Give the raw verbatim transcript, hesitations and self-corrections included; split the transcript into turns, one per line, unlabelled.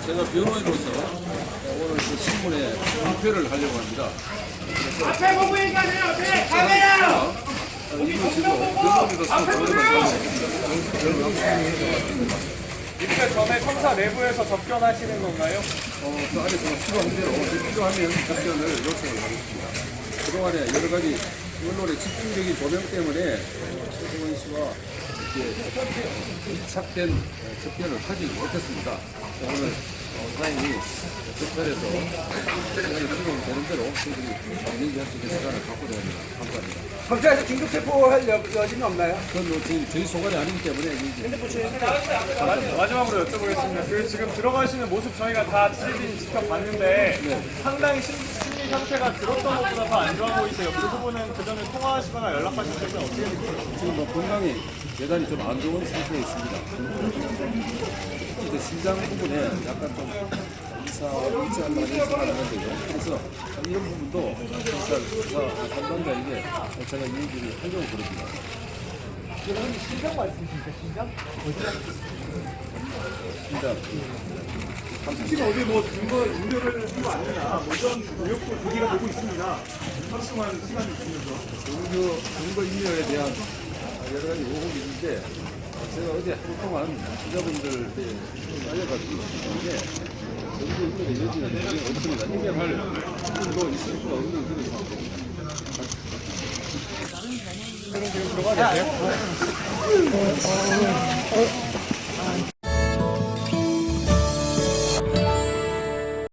제가 변호인으로서 오늘 그 신문에 발표를 하려고 합니다.
앞에 보고 얘기하세요. 앞에 카메라.
이거 지금 변호인으로서
입회 전에 검사 내부에서 접견하시는 건가요?
어, 그 안에 제가 필요한 대로 필요하면 답변을 요청을 하겠습니다. 그동안에 여러 가지 언론의 집중적인 조명 때문에 최승원 씨와 이렇게 밀착된 접견을 하지 못했습니다. 오늘 사장님이 접견에서 시간이 필요되는 대로 저희들이 얘기할 수 있는 시간을 갖고자 합니다. 감사합니다.
검찰에서 긴급 체포할 여, 여지는 없나요?
그건 뭐 저희, 저희 소관이 아니기 때문에 이제
마지막으로 여쭤보겠습니다. 그 지금 들어가시는 모습 저희가 다 텔레비전 지켜봤는데 상당히 심, 심리 상태가 들었던 것보다 더 안 좋아 보이세요. 그 부분은 그 전에 통화하시거나 연락하실 때는 어떻게 되세요?
지금 뭐 건강이 대단히 좀 안 좋은 상태에 있습니다. 이제 심장 부분에 약간 좀 이사 일치 않는 생각을 하는데요. 그래서 이런 부분도 진짜 의사 담당자에게 제가 이 얘기를 하려고 그럽니다.
여러분 심장 말씀이십니까? 심장?
심장.
지금 어디 뭐 증거 우려를 하고 안 되나? 뭐 이런 의혹도 제기가 되고 있습니다. 하루 동안 시간이 있으면서.
증거, 증거 인멸에 대한 여러 가지 의혹이 있는데 제가 어제 하루 동안 기자분들께 알려가지고 있는데 증거 인멸의 여지는 전혀 없습니다. 인멸할 부분도 있을 수가 없는 그런 상황입니다.
그럼 지금 들어가야 되세요?